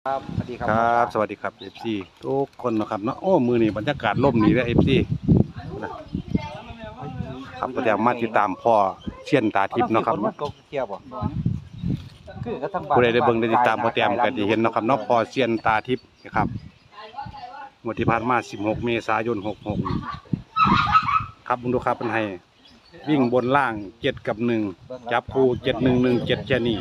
ครับสวัสดีครับครับสวัสดีครับ FC ทุกคนนะครับเนาะโอ้มือนี่บรรยากาศร่มนี่แล้ว FC ครับก็เดี๋ยวมาติดตามพ่อเชียนตาทิพย์เนาะครับมันตกเกี่ยวบ่คือก็ทั้งบ้านผู้ใดได้เบิ่งได้ติดตามพ่อแต้มก็จะเห็นเนาะครับเนาะพ่อเชียนตาทิพย์นะครับงวดที่ผ่านมา16 เมษายน 66ครับมึงดูครับเพิ่นให้วิ่งบนล่าง7 กับ 1จับคู่7 1 1 7แค่นี้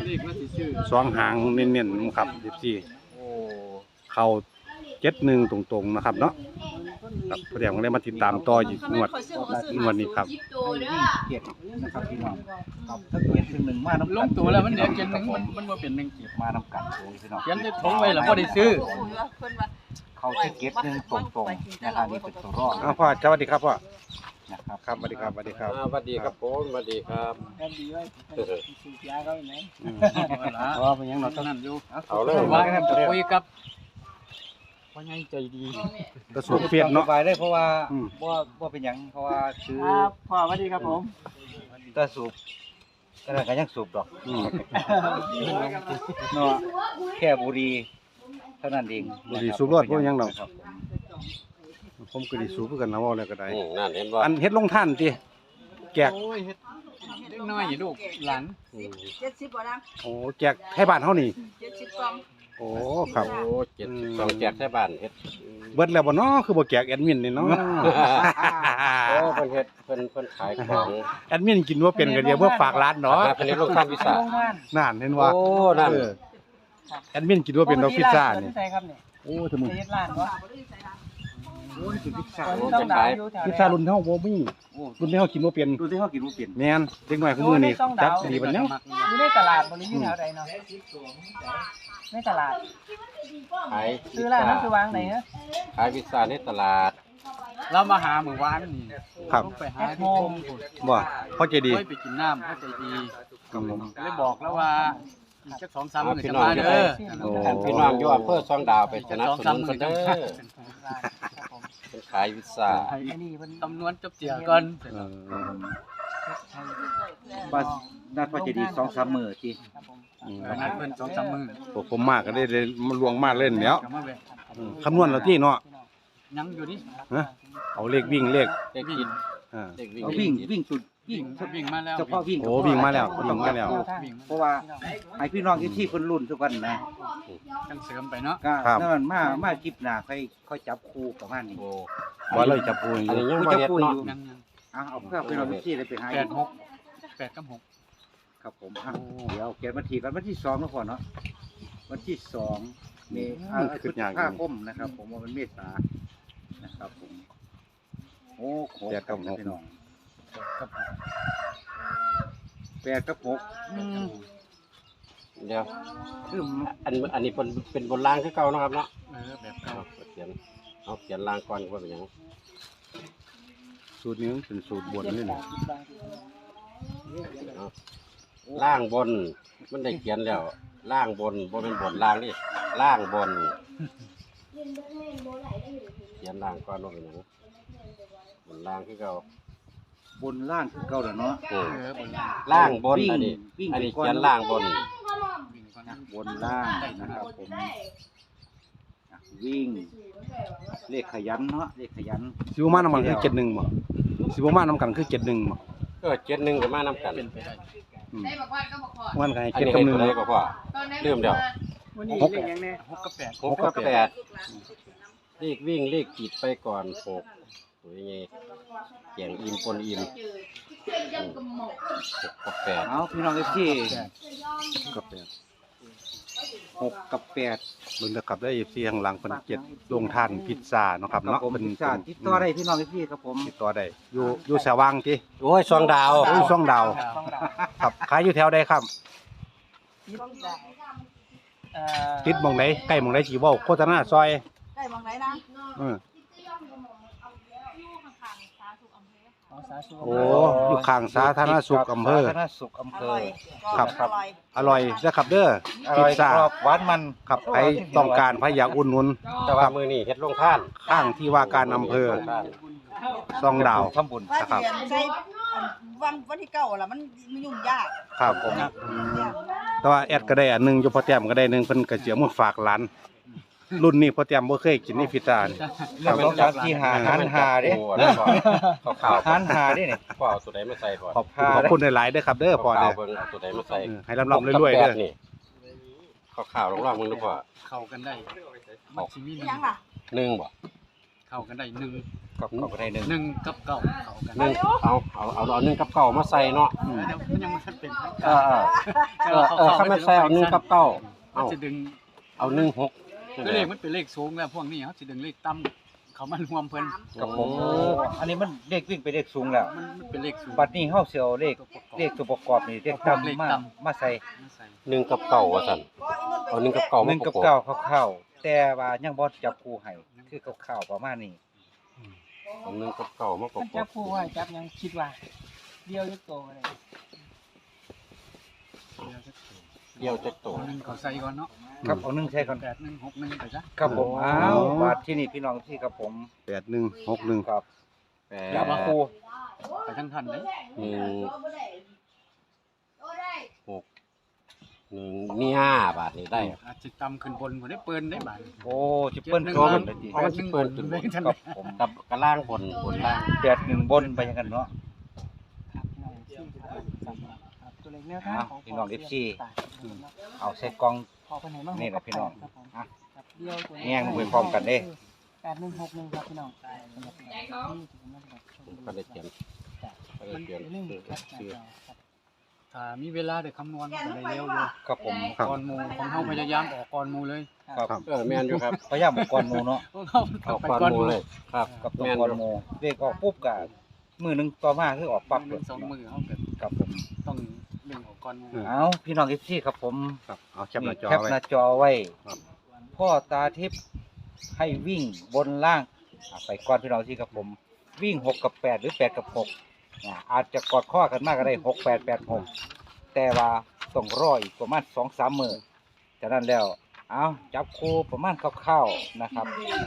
2หางเน้นๆครับ FC โอ้เข้า71ตรงๆนะครับเนาะครับพอดีผมเลยมาติดตามต่ออยู่งวดนี้ครับเกียรตินะครับพี่น้องครับถ้าเกียรติถึงหนึ่งมาน้ำลงตัวแล้วมันเดี๋ยวเจนหนึ่งมันว่าเป็นหนึ่งเกียรติมาน้ำกันโอ้ยพี่น้องเขียนได้ถงไว้แล้วก็ได้ซื้อเขาที่เกียรติหนึ่งตรงๆนะครับนี่เป็นตัวรอดพ่อสวัสดีครับพ่อนะครับครับสวัสดีครับสวัสดีครับสวัสดีครับผมสวัสดีครับแค่ดีไว้สูบยาเขาไหนเพราะว่าเป็นยังเราตอนนั้นอยู่เอาเลยว่าคุยกับพ่อใหญ่ใจดีกระสุนเฟียดเนาะสบายได้เพราะว่าว่าเป็นหยังเพราะว่าซื้อครับพ่อสวัสดีครับผมก็สูบก็ยังสูบดอกอืมเนาะแค่บุหรี่เท่านั้นเองบุหรี่สูบรอดพวกยังเราครับผมก็ไดีสูบเพื่อกันนะว่าอะไรก็ได้นั่นเห็นว่าอันเฮ็ดลงท่านติแจกโอ้ยเฮ็ดเด็กน้อยลูกหลาน 70บ่นะโอ้แจกให้บ้านเฮานี่ 70กล่องโอ้ครับโอ้72แจกแท้บ้านเฮ็ดเบิดแล้วบ่เนาะคือบ่แจกแอดมินนี่เนาะโอ้เพิ่นเฮ็ดเพิ่นขายของแอดมินกินบ่เป็นก็เดี๋ยวเพื่อฝากร้านเนาะเพิ่นเฮ็ดโรงทานวิสานั่นเห็นว่าโอ้นั่นเออแอดมินกินบ่เป็นดอกพิซซ่านี่ใช่ครับเนี่ยโอ้ถึงมึงเฮ็ดร้านวะโอ้ยถึงพิซซ่าตอนนี้ต้องด่าอยู่แถวพิซซ่ารุ่นเฮาบ่มีรุ่นที่เฮากินบ่เป็นดูที่เขากินมันเปลี่ยนแม่นเด็กน้อยของมื้อนี้จักดีบัดยังอยู่ในตลาดบริอยู่แถวใดเนาะในตลาดขายซื้อร้านนั้นคือวางไหนฮะขายพิซซ่าในตลาดเรามาหาหมู่บ้านนี่ครับต้องไปหาที่โฮมบ่พ่อใจดีไปกินน้ำเข้าใจดีครับผมเลยบอกแล้วว่าอีกสัก2-3มื้อพี่จะน้องมาจะเด้ไปอพี่น้องอยู่อำเภอซองดาวไปสนับสนุนเพิ่นเด้อเพิ่นขายพิซซ่าไอ้นี่มันตำนวนจบเจียก่อนเออว่าน่าพอจะดี2-3มื้อที่นัดเพิ่น2-3มื้อพวกผมมากก็ได้เลยมาลวงมาเล่นแล้วก็มาแวะคำนวณแล้วที่เนาะยังอยู่นี่ฮะเอาเลขวิ่งเลขเด็กกินอ่าเด็กวิ่งเอาวิ่งสุดวิ่งมาแล้วเฉพาะวิ่งโอ้วิ่งมาแล้ววิ่งมาแล้วเพราะว่าให้พี่น้องที่เพิ่นรุ่นทุกวันนะกันเสริมไปเนาะก็ครับนั่นมาคลิปหน้าค่อยจับคู่ประมาณนี้โอ้ว่าเลยจับปูออันยู่นี้ยังบ่เฮ็ดเนาะยังเอาเพื่อพี่น้องที่ได้ไปหา 8กับ6 ครับผมเดี๋ยวเขียนวันที่กันวันที่2นะพ่อเนาะวันที่2มีพฤษภาคมนะครับ ผมว่ามันเมษานะครับผมโอ้โหพี่น้อง8 กับ 6 เดี๋ยวคืออันนี้เป็นบนรางคือเก่าเนาะครับเนาะแบบเก่าเอาเขียนรางก่อนว่าเป็นหยังสูตรนี้มันเป็นสูตรบนนี่นะล่างบนมันได้เขียนแล้วล่างบนบ่เป็นบนล่างนี่ล่างบนเขียนล่างก่อนว่าเป็นหยังบนล่างคือเก่าบนล่างคือเก่าแล้วเนาะล่างบนอันนี้เขียนล่างบนบนล่างนะครับผมวิ่งเลขขยันเนาะเลขขยันสิบมาน้ำกันคือ71บ่สิบมาน้ำกันคือ71บ่ 71ก็มานํกันเป็นไปได้อืมได้บอกว่าก็บอกขอวันกันให้อัน 7 นี้กับให้ตัวใด 1 ก็พอตอนนั้นเริ่มแล้ววันนี้เลขยังแน่6กับ8 6กับ8เลขวิ่งเลขกีดไปก่อน6ตัวยังไงแกงอิ่มปนอิ่ม6กับ8 เอาพี่น้องที่กับ8 6 กับ 8 เบิ่งตะกับได้ FC ข้างหลังเพิ่น7ลงท่านพิซซ่าเนาะครับครับเนาะผมเป็นพิซซ่าติดต่อได้พี่น้องที่ครับผมติดต่อได้อยู่สว่างติโอ้ยซองดาวอยู่ช่องดาวครับขายอยู่แถวใดครับ ติดหม่องไหนใกล้หม่องไหนสิเว้าโฆษณาซอยได้มองไหนนะเออสาธุโอ้อยู่ข้างสาธารณสุขอำเภอสาธารณสุขอำเภออร่อยครับอร่อยอร่อยนะครับเด้ออพิร่ซอยซ่ากรอบหวานมันครับใครต้องการใครอยากอุดหนุนแต่ว่ามือนี่เฮ็ดลงท่านข้างที่ว่าการอำเภอซองดาวทำบุญว่านะครับเรียนใช้วันที่เก้าล่ะมันยุ่งยากครับผมแต่ว่าแอดก็ได้อันหนึงอยู่พอแต้มก็ได้หนึงเพิ่นก็สิเอามาฝากหลานรุ่นนี้พอเตรียมบ่เคยกินในพิตานี่เรื่องของการที่หาหันหาเด้ข้าวหันหาเด้เนี่ยข้าวเอาตัวใดมาใส่ก่อนขอบคุณหลายๆเด้อครับเด้อพ่อเด้อเบิ่งเอาตัวใดมาใส่ให้ร่ำๆรวยๆเด้อนี่ข้าวๆลองๆมึงดูพ่อเข้ากันได้มันสิมียังล่ะหนึ่งบ่เข้ากันได้หนึ่งกับก็ได้หนึ่งหนึ่งกับเก้าเข้ากันหนึ่งเอาหนึ่งกับเก้ามาใส่เนาะเดี๋ยวมันยังไม่ทันเป็นทางเอการข้ามาใส่เอาหนึ่งกับเก้ามันจะดึงเอาหนึ่งหกก็เลขมันเป็นเลขสูงแล้วพวกนี้เขาจะดึงเลขต่ำเขามันรวมเพิ่นกับผมอันนี้มันเลขวิ่งไปเลขสูงแล้วมันเป็นเลขสูงบัดนี้เฮาสิเอาเลขตัวประกอบนี่เลขต่ำมาใส่มาใส่หนึ่งกับเก้าว่าสั่นเอาหนึ่งกับเก้าหมานึ่งปกับระกบเก้าคร่าวๆแต่ว่ายังบ่จับคู่ให้คือคร่าวๆประมาณนี้เอาหนึ่งกับเก้ามาประมันกจับบผู้ว่าจับยังคิดว่าเดียวจะโตอะไรเดี่ยวจะโตหนึ่งเขาใส่ก่อนเนาะครับเอาหนึ่งใช่ก่อน 8 1 6 1ไปซะครับผมอ้าวบาดที่นี่พี่น้องที่ครับผม 8161 ครับแปจับดคู่ไปทั้งทันเลยหนึ่งหกหนึ่งมีห้าบาทนี่ได้อาจจะต่ำขึ้นบนบ่ได้เปิ้นได้บาดโอ้จิเปิ้ลโชว์มันเลยทีเพราะมันสิเปิ้นขึ้นบนครับผมกับกระล่างบนล่าง 81บนไปยังกันเนาะตัวเล็กแนวอ้าวพี่น้อง FC เอาใส่กล่องนี่แหละพี่น้องอ่ะแง่งลงไปพร้อมกันเด้ 8161ครับพี่น้องผมก็ได้เตรียมก็ได้เตรียมซื้อถ้ามีเวลาได้คำนวณมันก็ได้เร็วอยู่ครับผมก่อนหมู่ของเฮาพยายามออกก่อนหมู่เลยครับแม่นอยู่ครับพยายามเอาก่อนหมู่เนาะของเฮาเอาไปก้อนก่อนหหมูมู่เลยครับกับตัวแม่นก่อนอยู่หมู่เลขออกปุ๊บก็มือหนึงต่อมาคือออกปั๊บหนึ่งสองมือเฮาก็ครับผมต้องดึงออกก่อนหมู่เอาพี่น้อง FC ครับผมครับเอาแคปหน้าจอแคปไว้หน้าจอไว้ครับพ่อตาทิพย์ให้วิ่งบนล่างไปก่อนพี่น้องที่ครับผม วิ่ง6กับ8หรือ8กับ6อาจจะกอดข้อกันมากก็ได้6 8 8 6แต่ว่าต้องรออีกประมาณ 2-3 มื้อจากนั้นแล้วเอาจับคู่ประมาณคร่าวๆนะครับ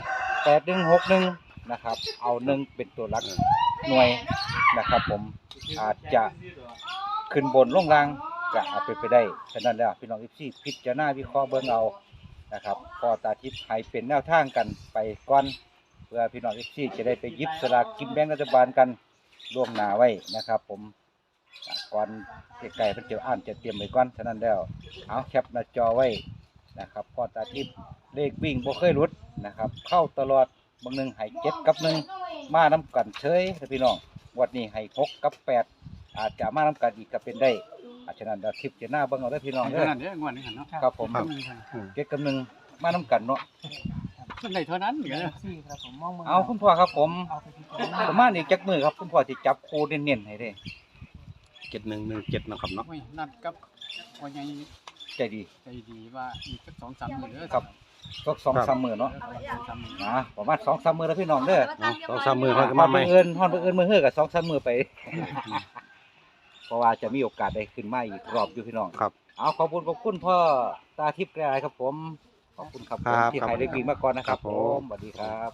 8161นะครับเอา1เป็นตัวหลักหน่วยนะครับผมอาจจะขึ้นบนลงล่างก็อาจเป็นไปได้ฉะนั้นแล้วพี่น้องFCพิจารณาวิเคราะห์เบิ่งเอานะครับพ่อตาทิพย์ให้เป็นแนวทางกันไปก่อนเพื่อพี่น้องFCจะได้ไปหยิบสลากกินแบ่งรัฐบาลกันล่วงหน้าไว้นะครับผมก่อนใกล้ๆเพิ่นจะอ่านจะเตรียมไว้ก่อนฉะนั้นแล้วเอาแคปหน้าจอไว้นะครับพ่อตาทิพย์เลขวิ่งบ่เคยหลุดนะครับเข้าตลอดบางหนึงให้7กับ1มานํกันเฉยนะพี่น้องวันนี้ให้6กับ8อาจจะมานํกันอีกก็เป็นได้ฉะนั้นเดี๋ยวทิพย์จะหน้าเบิ่งเอาเด้อพี่น้องให้เด้เท่าอนั้นเด้องวดนี้หั่นเนาะครับผมครับ 7กับ1มานํกันเนาะมันได้เท่านั้นก็เอาคุณพ่อครับผมประมาณอีกจักมือครับคุณพ่อสิจับคู่เน้นๆให้เด้ 7117นะครับเนาะโอ้ยนัดกับว่าใหญ่ใจดีใจดีว่าอีกสัก2-3มื้อเด้อครับสัก2-3มื้อเนาะ 2-3มื้อประมาณ 2-3 มื้อแล้วพี่น้องเด้อ 2-3 มื้อฮอเฮาดก็มาใหม่มื้ออื่นมื้อเฮือก็2-3 มื้อไป เพราะว่าจะมีโอกาสได้ขึ้นมาอีกรอบอยู่พี่น้องครับเอาขอบคุณพ่อตาทิพย์แกรครับผมขอบคุณครับผมครับที่ให้ได้กินมาก่อนนะครับครับผผมมสวัสดีครับ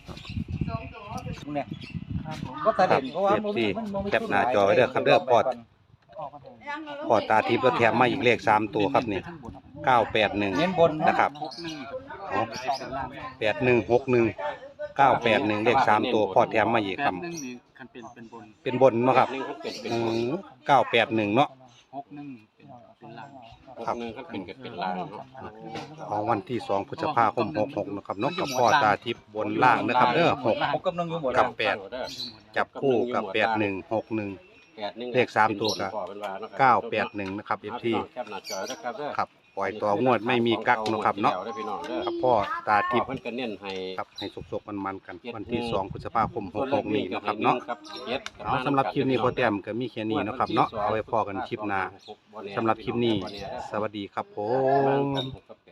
เนี่ยก็ตาเด่นเพราะว่าครับ แคปหน้าจอไว้เด้อครับเด้อพอด พอตาทิพย์แล้วแถมมาอีกเลข3ตัวครับนี่เน้นบน 981นะครับ 61 8161 981เลข3ตัวพอแถมมาอีกครับ 81นี่คันเป็นบนเป็นบนเนาะครับหนึ่งเขาเป็น 981เนาะ 61เป็นล่างครับหนึ่งเขาเป็นลางเนาะของวันที่2พฤษภาคม66นะครับเนาะกับพ่อตาทิพย์บนล่างนะครับเด้อผมกำลังอยู่หมดกัแล้บว 8 จับคู่กับ8161 เลข3ตัวก็981นะครับ FT แคปหน้าจอนะครับเด้อครับปล่อยตัวงวดไม่มีกักเนาะครับเนาะพี่น้องเด้อกับพ่อตาทิที่พย์เพิ่นก็เน้นให้ครับให้สุกๆมันๆกันวันที่2พฤษภาคม66นี้นะครับเนาะ เอาสำหรับคลิปนี้พอแต้มก็มีแค่นี้เนาะครับเนาะเอาไว้พอกันคลิปหน้าสำหรับคลิปนี้ สวัสดีครับผมกับ